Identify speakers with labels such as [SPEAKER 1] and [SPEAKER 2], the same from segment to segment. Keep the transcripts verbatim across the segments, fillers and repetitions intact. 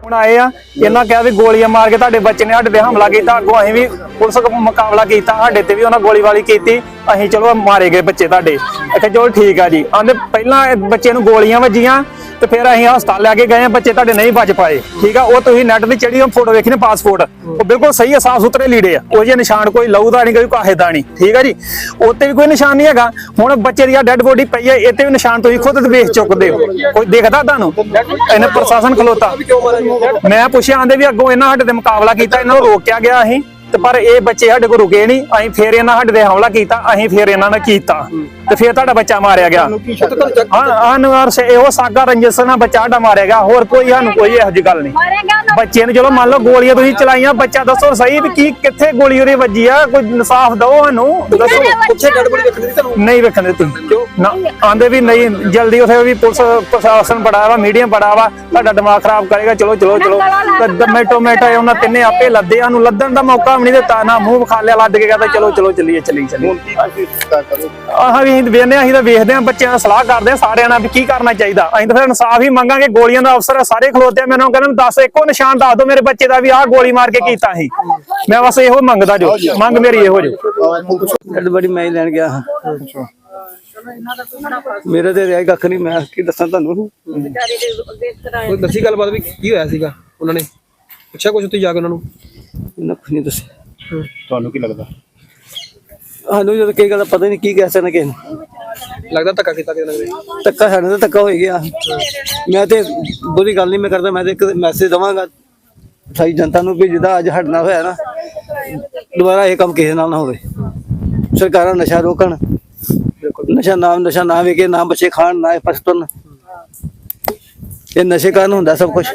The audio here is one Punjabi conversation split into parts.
[SPEAKER 1] ਹੁਣ ਆਏ ਆ ਇਹਨਾਂ ਕਿਹਾ ਵੀ ਗੋਲੀਆਂ ਮਾਰ ਕੇ ਤੁਹਾਡੇ ਬੱਚੇ ਨੇ ਸਾਡੇ ਤੇ ਹਮਲਾ ਕੀਤਾ, ਅੱਗੋਂ ਅਸੀਂ ਵੀ ਪੁਲਿਸ ਕੋਲ ਮੁਕਾਬਲਾ ਕੀਤਾ, ਸਾਡੇ ਤੇ ਵੀ ਉਹਨਾਂ ਗੋਲੀ ਵਾਲੀ ਕੀਤੀ, ਅਸੀਂ ਚਲੋ ਮਾਰੇ ਗਏ ਬੱਚੇ ਤੁਹਾਡੇ। ਇੱਥੇ ਚਲੋ ਠੀਕ ਆ ਜੀ। ਆਂਦੇ ਪਹਿਲਾਂ ਬੱਚੇ ਨੂੰ ਗੋਲੀਆਂ ਵੱਜੀਆਂ ਤੇ ਫਿਰ ਅਸੀਂ ਹਸਪਤਾਲ ਲੈ ਕੇ ਗਏ, ਬੱਚੇ ਤੁਹਾਡੇ ਨਹੀਂ ਬਚ ਪਾਏ। ਠੀਕ ਆ, ਉਹ ਤੁਸੀਂ ਨੈਟ ਤੇ ਚੜੀ ਉਹ ਫੋਟੋ ਵੇਖੀ ਨੇ ਪਾਸਪੋਰਟ, ਉਹ ਬਿਲਕੁਲ ਸਹੀ ਆ, ਸਾਫ ਸੁਥਰੇ ਲੀੜੇ ਆ, ਉਹ ਜਿਹੇ ਨਿਸ਼ਾਨ ਕੋਈ ਲਹੂ ਦਾ ਨਹੀਂ, ਕੋਈ ਕਾਹੇ ਦਾ ਨਹੀਂ। ਠੀਕ ਆ ਜੀ, ਉੱਤੇ ਵੀ ਕੋਈ ਨਿਸ਼ਾਨ ਨਹੀਂ ਹੈਗਾ। ਹੁਣ ਬੱਚੇ ਦੀ ਡੈਡ ਬੋਡੀ ਪਈ ਹੈ, ਇੱਥੇ ਵੀ ਨਿਸ਼ਾਨ ਤੁਸੀਂ ਖੁਦ ਵੇਖ ਚੁੱਕਦੇ ਹੋ, ਕੋਈ ਦੇਖਦਾ ਤੁਹਾਨੂੰ? ਇਹਨੇ ਪ੍ਰਸ਼ਾਸਨ ਖਲੋਤਾ। ਮੈਂ ਪੁੱਛਿਆ, ਆਂਦੇ ਵੀ ਅੱਗੋਂ ਇਹਨਾਂ ਸਾਡੇ ਤੇ ਮੁਕਾਬਲਾ ਕੀਤਾ, ਇਹਨਾਂ ਨੂੰ ਰੋਕਿਆ ਗਿਆ ਅਸੀਂ ਤੇ ਪਰ ਇਹ ਬੱਚੇ ਸਾਡੇ ਕੋਲ ਰੁਕੇ ਨਹੀਂ, ਅਸੀਂ ਫੇਰ ਇਹਨਾਂ ਸਾਡੇ ਤੇ ਹਮਲਾ ਕੀਤਾ, ਅਸੀਂ ਫੇਰ ਇਹਨਾਂ ਨੇ ਕੀਤਾ ਤੇ ਫੇਰ ਤੁਹਾਡਾ ਬੱਚਾ ਮਾਰਿਆ ਗਿਆ। ਹਾਂ, ਇਹੋ ਸਾਗਾ ਰੰਜਿਸ਼ ਨਾਲ ਬੱਚਾ ਸਾਡਾ ਮਾਰਿਆ ਗਿਆ, ਹੋਰ ਕੋਈ ਸਾਨੂੰ ਕੋਈ ਇਹੋ ਜਿਹੀ ਗੱਲ ਨਹੀਂ। ਬੱਚੇ ਨੂੰ ਚਲੋ ਮੰਨ ਲਓ ਗੋਲੀਆਂ ਤੁਸੀਂ ਚਲਾਈਆਂ, ਬੱਚਾ ਦੱਸੋ ਸਹੀ ਵੀ ਕੀ ਕਿੱਥੇ ਗੋਲੀ ਉਹਦੀ ਵੱਜੀ ਆ, ਕੋਈ ਇਨਸਾਫ ਦਿਓ ਸਾਨੂੰ, ਦੱਸੋ। ਨਹੀਂ ਵੇਖਣ ਦਿੱਤੀ ਨਾ, ਆਂਦੇ ਵੀ ਨਹੀਂ ਜਲਦੀ, ਉਥੇ ਵੀ ਪੁਲਿਸ ਪ੍ਰਸ਼ਾਸਨ ਬੜਾ ਵਾ, ਮੀਡੀਆ ਬੜਾ ਵਾ, ਤੁਹਾਡਾ ਦਿਮਾਗ ਖਰਾਬ ਕਰੇਗਾ। ਚਲੋ ਚਲੋ ਚਲੋ ਟੋਮੇਟੋ ਮੇਟਾ ਉਹਨਾਂ ਤਿੰਨੇ ਆਪੇ ਲੱਦੇ, ਸਾਨੂੰ ਲੱਦਣ ਦਾ ਮੌਕਾ ਵੀ ਨਹੀਂ ਦਿੱਤਾ, ਨਾ ਮੂੰਹ ਵਿਖਾ ਲਿਆ, ਲੱਦ ਕੇ ਕਹਿੰਦਾ ਚਲੋ ਚਲੋ ਚੱਲੀਏ ਚੱਲੀ ਚੱਲੀ। ਆਹ ਵੀ ਅਸੀਂ ਵੇਖਦੇ ਹਾਂ, ਅਸੀਂ ਤਾਂ ਵੇਖਦੇ ਹਾਂ, ਬੱਚਿਆਂ ਨਾਲ ਸਲਾਹ ਕਰਦੇ ਹਾਂ ਸਾਰਿਆਂ ਨਾਲ ਵੀ ਕੀ ਕਰਨਾ ਚਾਹੀਦਾ। ਅਸੀਂ ਤਾਂ ਫਿਰ ਇਨਸਾਫ ਹੀ ਮੰਗਾਂਗੇ। ਗੋਲੀਆਂ ਦਾ ਅਫਸਰ ਸਾਰੇ ਖਲੋਤੇ, ਮੈਨੂੰ ਕਹਿੰਦੇ ਦੱਸ ਇੱਕੋ ਨਿਸ਼ਾਨ ਦੱਸ ਦਿਓ ਮੇਰੇ ਬੱਚੇ ਦਾ ਵੀ ਆਹ ਗੋਲੀ ਮਾਰ ਕੇ ਕੀਤਾ ਸੀ। ਮੈਂ ਬਸ ਇਹੋ ਮੰਗਦਾ, ਜੋ ਮੰਗ ਮੇਰੀ ਇਹੋ ਜੋ।
[SPEAKER 2] ਬੜੀ ਮੈਂ ਲੈਣ ਗਿਆ ਹਾਂ, ਮੇਰੇ ਤੇ ਰਿਹਾ ਕੱਖ ਨਹੀਂ, ਮੈਂ ਕੀ ਦੱਸਾਂ ਤੁਹਾਨੂੰ।
[SPEAKER 3] ਕੋਈ ਦੱਸੀ ਗੱਲਬਾਤ ਵੀ ਕੀ ਹੋਇਆ ਸੀਗਾ, ਉਹਨਾਂ ਨੇ ਪੁੱਛਿਆ ਕੁਝ ਉੱਥੇ ਜਾ ਕੇ ਉਹਨਾਂ ਨੂੰ?
[SPEAKER 2] ਕੁਛ ਨਹੀਂ ਦੱਸਿਆ।
[SPEAKER 4] ਤੁਹਾਨੂੰ ਕੀ ਲੱਗਦਾ?
[SPEAKER 2] ਸਾਨੂੰ ਜਦੋਂ ਕਈ ਗੱਲ ਪਤਾ ਨਹੀਂ ਕੀ ਕਹਿ ਸਕਦਾ ਕਿਸੇ ਨੂੰ।
[SPEAKER 3] ਲੱਗਦਾ ਧੱਕਾ ਕੀਤਾ ਕਿਸੇ ਨੇ?
[SPEAKER 2] ਧੱਕਾ ਸਾਡੇ ਨਾਲ ਧੱਕਾ ਹੋ ਗਿਆ। ਮੈਂ ਤੇ ਬੁਰੀ ਗੱਲ ਨਹੀਂ ਮੈਂ ਕਰਦਾ, ਮੈਂ ਤੇ ਇੱਕ ਮੈਸੇਜ ਦੇਵਾਂਗਾ ਸਾਰੀ ਜਨਤਾ ਨੂੰ ਵੀ ਜਿੱਦਾਂ ਅੱਜ ਸਾਡੇ ਨਾਲ ਹੋਇਆ ਨਾ, ਦੁਬਾਰਾ ਇਹ ਕੰਮ ਕਿਸੇ ਨਾਲ ਨਾ ਹੋਵੇ। ਸਰਕਾਰਾਂ ਨਸ਼ਾ ਰੋਕਣ, ਨਸ਼ਾ ਨਾਮ ਨਸ਼ਾ ਨਾ ਵੇਖੇ, ਨਾ ਬੱਚੇ ਖਾਣ, ਨਾ ਪਾਸੇ ਤੁਰਨ। ਇਹ ਨਸ਼ੇ ਕਾਰਨ ਹੁੰਦਾ ਸਭ ਕੁਛ।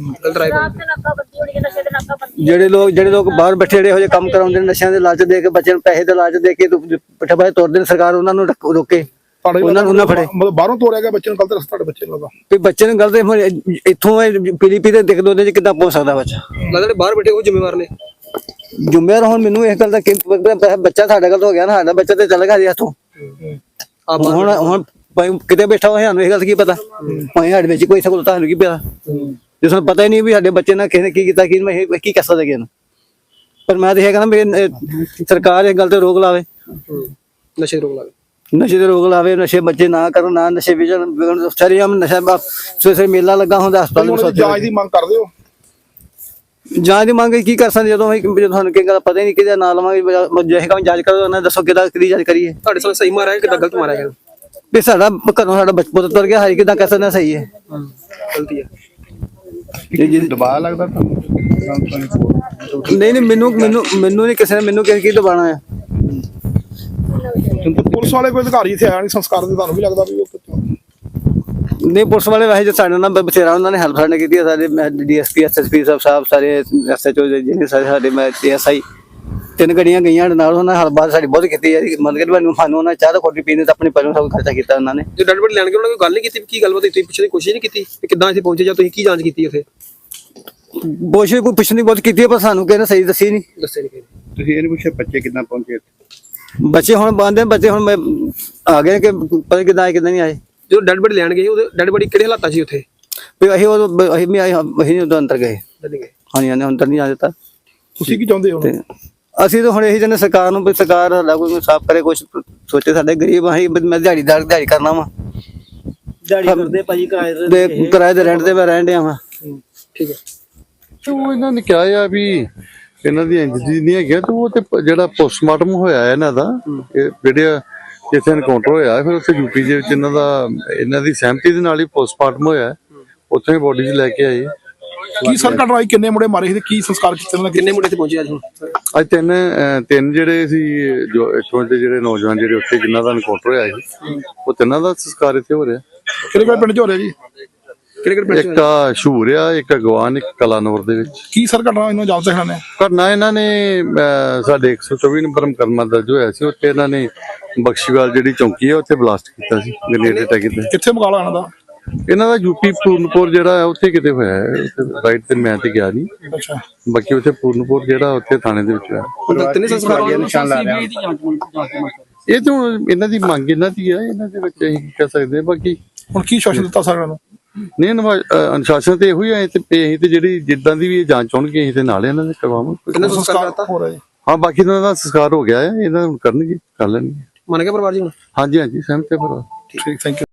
[SPEAKER 2] ਜਿਹੜੇ ਲੋਕ ਜਿਹੜੇ ਲੋਕ ਬਾਹਰ ਬੈਠੇ ਜਿਹੜੇ ਇਹੋ ਜਿਹੇ ਕੰਮ ਕਰਾਉਂਦੇ ਨੇ, ਨਸ਼ਿਆਂ ਦੇ ਲਾਲਚ ਦੇ ਕੇ, ਬੱਚਿਆਂ ਨੂੰ ਪੈਸੇ ਦੇ ਲਾਲਚ ਦੇ ਕੇ ਪਿੱਠੇ ਪਾਸੇ ਤੋਰਦੇ ਨੇ, ਸਰਕਾਰ ਉਹਨਾਂ ਨੂੰ ਰੋਕੇ, ਉਹਨਾਂ ਨੂੰ ਨਾ ਫੜੇ।
[SPEAKER 4] ਮਤਲਬ ਬਾਹਰੋਂ ਤੋਰਿਆ ਗਿਆ ਬੱਚੇ ਨੂੰ, ਗਲਤ ਰਸਤਾ ਤੁਹਾਡੇ ਬੱਚੇ ਨੂੰ ਲੱਗਾ
[SPEAKER 2] ਵੀ ਬੱਚੇ ਨੂੰ ਗਲਤ ਇੱਥੋਂ ਪੀਲੀ ਪੀ ਤੇ ਦੇਖ ਦੋ ਚ ਕਿੱਦਾਂ ਪਹੁੰਚ ਸਕਦਾ ਬੱਚਾ?
[SPEAKER 3] ਲੱਗਦਾ ਬਾਹਰ ਬੈਠੇ ਉਹ ਜ਼ਿੰਮੇਵਾਰ ਨੇ।
[SPEAKER 2] ਜ਼ਿੰਮੇਵਾਰ ਹੁਣ ਮੈਨੂੰ ਇਸ ਗੱਲ ਦਾ, ਬੱਚਾ ਸਾਡਾ ਗਲਤ ਹੋ ਗਿਆ ਨਾ, ਸਾਡਾ ਬੱਚਾ ਤੇ ਚੱਲ ਗਿਆ ਜੀ ਹੱਥੋਂ। ਹੁਣ ਹੁਣ ਕਿਤੇ ਬੈਠਾ ਹੋਇਆ ਸਾਨੂੰ ਇਹ ਗੱਲ ਕੀ ਪਤਾ, ਸਾਡੇ ਵਿੱਚ ਕੋਈ ਸਹੂਲਤ ਸਾਨੂੰ ਕੀ ਪਤਾ, ਜੇ ਸਾਨੂੰ ਪਤਾ ਹੀ ਨਹੀਂ ਵੀ ਸਾਡੇ ਬੱਚੇ ਨਾਲ ਕਿਸੇ ਨੇ ਕੀ ਕੀਤਾ, ਕੀ ਮੈਂ ਕੀ ਕਰ ਸਕਦਾ ਕਿਸੇ ਨੂੰ। ਪਰ ਮੈਂ ਤਾਂ ਇਹ ਕਹਿੰਦਾ ਮੇਰੇ ਸਰਕਾਰ ਇਹ ਗੱਲ ਤੇ ਰੋਕ ਲਾਵੇ,
[SPEAKER 3] ਨਸ਼ੇ ਰੋਕ ਲਾਵੇ,
[SPEAKER 2] ਨਸ਼ੇ ਤੇ ਰੋਕ ਲਾਵੇ, ਨਸ਼ੇ ਬੱਚੇ ਨਾ ਕਰਨ, ਨਾ ਨਸ਼ੇ ਵਿਚਣ। ਸ਼ਰੇਆਮ ਨਸ਼ਾ ਸਵੇਰੇ ਮੇਲਾ ਲੱਗਾ ਹੁੰਦਾ ਹਸਪਤਾਲ।
[SPEAKER 4] ਜਾਂਚ ਦੀ ਮੰਗ ਕਰਦੇ ਹੋ?
[SPEAKER 2] ਜਾਂਚ ਦੀ ਮੰਗ ਕੀ ਕਰ ਸਕਦੇ ਜਦੋਂ ਜਦੋਂ ਸਾਨੂੰ ਕੀ ਗੱਲ ਪਤਾ ਹੀ ਨਹੀਂ ਕਿਹਦਾ ਨਾਂ ਲਵਾਂਗੇ, ਜੇ ਕੰਮ ਜਾਂਚ ਕਰੋ ਉਹਨਾਂ ਦੱਸੋ ਕਿਹਦਾ ਕਿਹਦੀ ਜਾਂਚ ਕਰੀਏ।
[SPEAKER 3] ਤੁਹਾਡੇ ਸਾਲ ਸਹੀ ਮਾਰਿਆ ਕਿੱਦਾਂ ਗਲਤ ਮਾਰਿਆ ਗਿਆ?
[SPEAKER 2] ਵੀ ਸਾਡਾ ਘਰੋਂ ਸਾਡਾ ਬਚਪਨ ਤੁਰ ਗਿਆ, ਹਾਈ ਕਿੱਦਾਂ ਕਹਿ ਸਕਦੇ ਸਹੀ ਹੈ
[SPEAKER 3] ਗਲਤੀ ਹੈ?
[SPEAKER 4] ਦਬਾਅ ਲੱਗਦਾ ਤੁਹਾਨੂੰ?
[SPEAKER 2] ਨਹੀਂ ਨਹੀਂ ਮੈਨੂੰ ਮੈਨੂੰ ਮੈਨੂੰ ਨਹੀਂ ਕਿਸੇ ਨੇ ਮੈਨੂੰ ਕਿਸੇ ਕੀ ਦਬਾਣਾ ਹੈ।
[SPEAKER 4] ਪੁਲਿਸ ਵਾਲੇ ਕੋਈ ਅਧਿਕਾਰੀ ਇੱਥੇ ਆਇਆ ਨਹੀਂ ਸੰਸਕਾਰ ਦੇ, ਤੁਹਾਨੂੰ ਵੀ ਲੱਗਦਾ ਵੀ ਉਹ
[SPEAKER 2] ਨਹੀਂ? ਪੁਲਿਸ ਵਾਲੇ ਵੈਸੇ ਸਾਡੇ ਨਾਲ ਬਥੇਰਾ ਉਹਨਾਂ ਨੇ ਹੈਲਪ ਸਾਡੇ ਕੀਤੀ ਹੈ, ਸਾਡੇ ਡੀਐਸਪੀ ਐਸਐਸਪੀ ਸਾਹਿਬ ਸਾਹਿਬ ਸਾਰੇ ਐਸਐਚਓ ਜਿਹੜੇ ਸਾਰੇ ਸਾਡੇ, ਮੈਂ ਐਸਆਈ ਤਿੰਨ ਗੱਡੀਆਂ ਗਈਆਂ ਨਾਲ, ਉਹਨਾਂ ਨੇ ਹਲਬਾਤ ਸਾਡੀ ਬਹੁਤ ਕੀਤੀ ਹੈ। ਮਤਲਬ ਕਿ ਮੈਨੂੰ ਸਾਨੂੰ ਉਹਨਾਂ ਚਾਹ ਦਾ ਕੋਟੀ ਪੀਣੇ ਤਾਂ ਆਪਣੇ ਪਹਿਲੋਂ ਸਭ ਖਰਚਾ ਕੀਤਾ ਉਹਨਾਂ ਨੇ।
[SPEAKER 3] ਜੇ ਡੈਡ ਬੋਡੀ ਲੈਣ ਕੇ ਉਹਨਾਂ ਕੋਈ ਗੱਲ ਨਹੀਂ ਕੀਤੀ, ਕੀ ਗੱਲਬਾਤ ਤੁਸੀਂ ਪੁੱਛਣ ਦੀ ਕੋਸ਼ਿਸ਼ ਨਹੀਂ ਕੀਤੀ ਕਿ ਕਿੱਦਾਂ ਇੱਥੇ ਪਹੁੰਚੇ ਜਾਂ ਤੁਸੀਂ ਕੀ ਜਾਂਚ ਕੀਤੀ ਉੱਥੇ?
[SPEAKER 2] ਕੋਸ਼ਿਸ਼ ਕੋਈ ਪੁੱਛਣ ਦੀ ਬਹੁਤ ਕੀਤੀ ਹੈ, ਪਰ ਸਾਨੂੰ ਕਿਸੇ ਨੇ ਸਹੀ ਦੱਸੀ ਨਹੀਂ।
[SPEAKER 3] ਦੱਸੇ ਨਹੀਂ?
[SPEAKER 4] ਤੁਸੀਂ ਇਹ ਨਹੀਂ ਪੁੱਛਿਆ ਬੱਚੇ ਕਿੱਦਾਂ ਪਹੁੰਚੇ?
[SPEAKER 2] ਬੱਚੇ ਹੁਣ ਬੰਦੇ ਬੱਚੇ ਹੁਣ ਮੈਂ ਆ ਗਏ ਕਿ ਪਤਾ ਕਿੱਦਾਂ ਆਏ ਕਿੱਦਾਂ ਨਹੀਂ ਆਏ।
[SPEAKER 3] ਜਦੋਂ ਡੈਡ ਬੋਡੀ ਲੈਣ ਗਏ ਉਹਦੇ ਡੈਡ ਬੋਡੀ ਕਿਹੜੇ ਹਾਲਾਤਾਂ ਸੀ ਉੱਥੇ?
[SPEAKER 2] ਵੀ ਅਸੀਂ ਉਹ ਅਸੀਂ ਵੀ ਅਸੀਂ ਉਦੋਂ ਅੰਦਰ ਗਏ। ਹਾਂਜੀ ਹਾਂਜੀ, ਅੰਦਰ ਨਹੀਂ ਆ ਦਿੱਤਾ।
[SPEAKER 4] ਤੁਸੀਂ ਕੀ ਚਾਹੁੰਦੇ ਹੋ?
[SPEAKER 2] ਅਸੀਂ ਤਾਂ ਹੁਣ ਇਹੀ ਚਾਹੁੰਦੇ ਸਰਕਾਰ ਨੂੰ ਵੀ ਸਰਕਾਰ ਸਾਡਾ ਕੋਈ ਸਾਫ਼ ਕਰੇ, ਕੁਛ ਸੋਚੇ। ਸਾਡੇ ਗਰੀਬ ਅਸੀਂ, ਮੈਂ ਦਿਹਾੜੀਦਾਰ ਦਿਹਾੜੀ ਕਰਨਾ ਵਾ, ਦਿਹਾੜੀ ਕਰਦੇ ਭਾਜੀ, ਕਿਰਾਏ ਦੇ ਕਿਰਾਏ ਦੇ ਰੈਂਟ ਤੇ ਮੈਂ ਰਹਿਣ ਡਿਆ ਵਾਂ।
[SPEAKER 3] ਠੀਕ ਹੈ।
[SPEAKER 5] ਉਹ ਇਹਨਾਂ ਨੇ ਕਿਹਾ ਆ ਵੀ ਇਹਨਾਂ ਦੀ ਇੰਜਰੀ ਨਹੀਂ ਹੈਗੀ, ਤੇ ਉਹ ਤੇ ਜਿਹੜਾ ਪੋਸਟਮਾਰਟਮ ਹੋਇਆ ਇਹਨਾਂ ਦਾ, ਇਹ ਜਿਹੜੇ ਜਿੱਥੇ ਐਨਕਾਊਂਟਰ ਹੋਇਆ ਫਿਰ ਉੱਥੇ ਯੂਪੀ ਦੇ ਵਿੱਚ ਇਹਨਾਂ ਦਾ ਇਹਨਾਂ ਦੀ ਸਹਿਮਤੀ ਦੇ ਨਾਲ ਹੀ ਪੋਸਟਮਾਰਟਮ ਹੋਇਆ, ਉੱਥੇ ਹੀ ਬੋਡੀ 'ਚ ਲੈ ਕੇ ਆਏ।
[SPEAKER 4] ਕੀ ਸਰ ਘਟਨਾ ਹੋਈ? ਕਿੰਨੇ ਮੁੰਡੇ ਮਾਰੇ ਸੀ ਤੇ ਕੀ ਸੰਸਕਾਰ ਕੀਤਾ?
[SPEAKER 3] ਕਿੰਨੇ ਮੁੰਡੇ ਤੇ ਪਹੁੰਚੇ ਅੱਜ?
[SPEAKER 5] ਅੱਜ ਤਿੰਨ ਤਿੰਨ ਜਿਹੜੇ ਸੀ ਜੋ ਇੱਥੋਂ ਦੇ ਜਿਹੜੇ ਨੌਜਵਾਨ ਜਿਹੜੇ ਉੱਥੇ ਜਿਨ੍ਹਾਂ ਦਾ ਐਨਕਾਊਂਟਰ ਹੋਇਆ ਸੀ, ਉਹ ਤਿੰਨਾਂ ਦਾ ਸੰਸਕਾਰ ਇੱਥੇ ਹੋ ਰਿਹਾ।
[SPEAKER 4] ਕਿਹੜੇ ਕਿਹੜੇ ਪਿੰਡ 'ਚ ਹੋ ਰਿਹਾ ਜੀ?
[SPEAKER 5] ਕਿਹੜੇ ਕਿਹੜੇ ਪਿੰਡ? ਇੱਕ ਆ ਸ਼ੂਰ ਆ, ਇੱਕ ਅਗਵਾਨ, ਇੱਕ ਕਲਾਨੌਰ ਦੇ ਵਿੱਚ।
[SPEAKER 4] ਕੀ ਸਰ ਘਟਨਾ ਇਹਨਾਂ ਜਾਂਚ ਸਿਖਾਣੇ
[SPEAKER 5] ਘਟਨਾ ਇਹਨਾਂ ਨੇ ਸਾਡੇ ਇੱਕ ਸੌ ਚੌਵੀ ਨੰਬਰ ਮੁਕੱਦਮਾ ਦਰਜ ਹੋਇਆ ਸੀ, ਉੱਥੇ ਇਹਨਾਂ ਨੇ ਬਖਸ਼ੀਵਾਲ ਜਿਹੜੀ ਚੌਂਕੀ ਹੈ ਉੱਥੇ ਬਲਾਸਟ ਕੀਤਾ ਸੀ, ਗ੍ਰੇਨੇਡ ਅਟੈਕ ਕੀਤਾ।
[SPEAKER 4] ਕਿੱਥੇ ਮੁਕਾਬਲਾ ਇਹਨਾਂ ਦਾ?
[SPEAKER 5] ਇਹਨਾਂ ਦਾ ਯੂਪੀ ਪੂਰਨਪੁਰ ਜਿਹੜਾ ਉੱਥੇ ਕਿਤੇ ਹੋਇਆ ਹੈ, ਰਾਈਟ ਤੇ ਮੈਂ ਤੇ ਗਿਆ ਨਹੀਂ।
[SPEAKER 4] ਅੱਛਾ,
[SPEAKER 5] ਬਾਕੀ ਉੱਥੇ ਪੂਰਨਪੁਰ ਜਿਹੜਾ ਉੱਥੇ ਥਾਣੇ ਦੇ ਵਿੱਚ ਹੋਇਆ।
[SPEAKER 3] ਤਿੰਨੇ ਸੰਸਕਾਰ
[SPEAKER 4] ਨਿਸ਼ਾਨ ਲਾ ਰਿਹਾ।
[SPEAKER 5] ਇਹ ਤਾਂ ਇਹਨਾਂ ਦੀ ਮੰਗ ਇਹਨਾਂ ਦੀ ਹੈ, ਇਹਨਾਂ ਦੇ ਵਿੱਚ ਅਸੀਂ ਕਹਿ ਸਕਦੇ ਹਾਂ। ਬਾਕੀ
[SPEAKER 4] ਹੁਣ ਕੀ ਸ਼ਾਸਨ ਦਿੱਤਾ ਸਰ ਇਹਨਾਂ ਨੂੰ?
[SPEAKER 5] ਨਹੀਂ ਅਨੁਸ਼ਾ- ਅਹ ਅਨੁਸ਼ਾਸਨ ਤੇ ਇਹੋ ਹੀ ਹੈ ਤੇ ਅਸੀਂ ਤੇ ਜਿਹੜੀ ਜਿੱਦਾਂ ਦੀ ਵੀ ਇਹ ਜਾਂਚ ਹੋਣਗੇ ਅਸੀਂ ਤੇ ਨਾਲ ਇਹਨਾਂ ਦੇ ਕਰਵਾਵਾਂਗੇ।
[SPEAKER 3] ਕਿੰਨਾ ਸੰਸਕਾਰ ਕਰਤਾ
[SPEAKER 4] ਹੋ ਰਿਹਾ ਜੀ।
[SPEAKER 5] ਹਾਂ ਬਾਕੀ ਇਹਨਾਂ ਦਾ ਸੰਸਕਾਰ ਹੋ ਗਿਆ ਹੈ, ਇਹਨਾਂ ਹੁਣ ਕਰਨਗੇ ਕਰ ਲੈਣਗੇ।
[SPEAKER 3] ਮੰਨ ਗਿਆ ਪਰਿਵਾਰ ਜੀ ਹੁਣ?
[SPEAKER 5] ਹਾਂਜੀ ਹਾਂਜੀ ਸਹਿਮਤ ਹੈ ਪਰ
[SPEAKER 4] ਠੀਕ ਥੈਂਕ ਯੂ।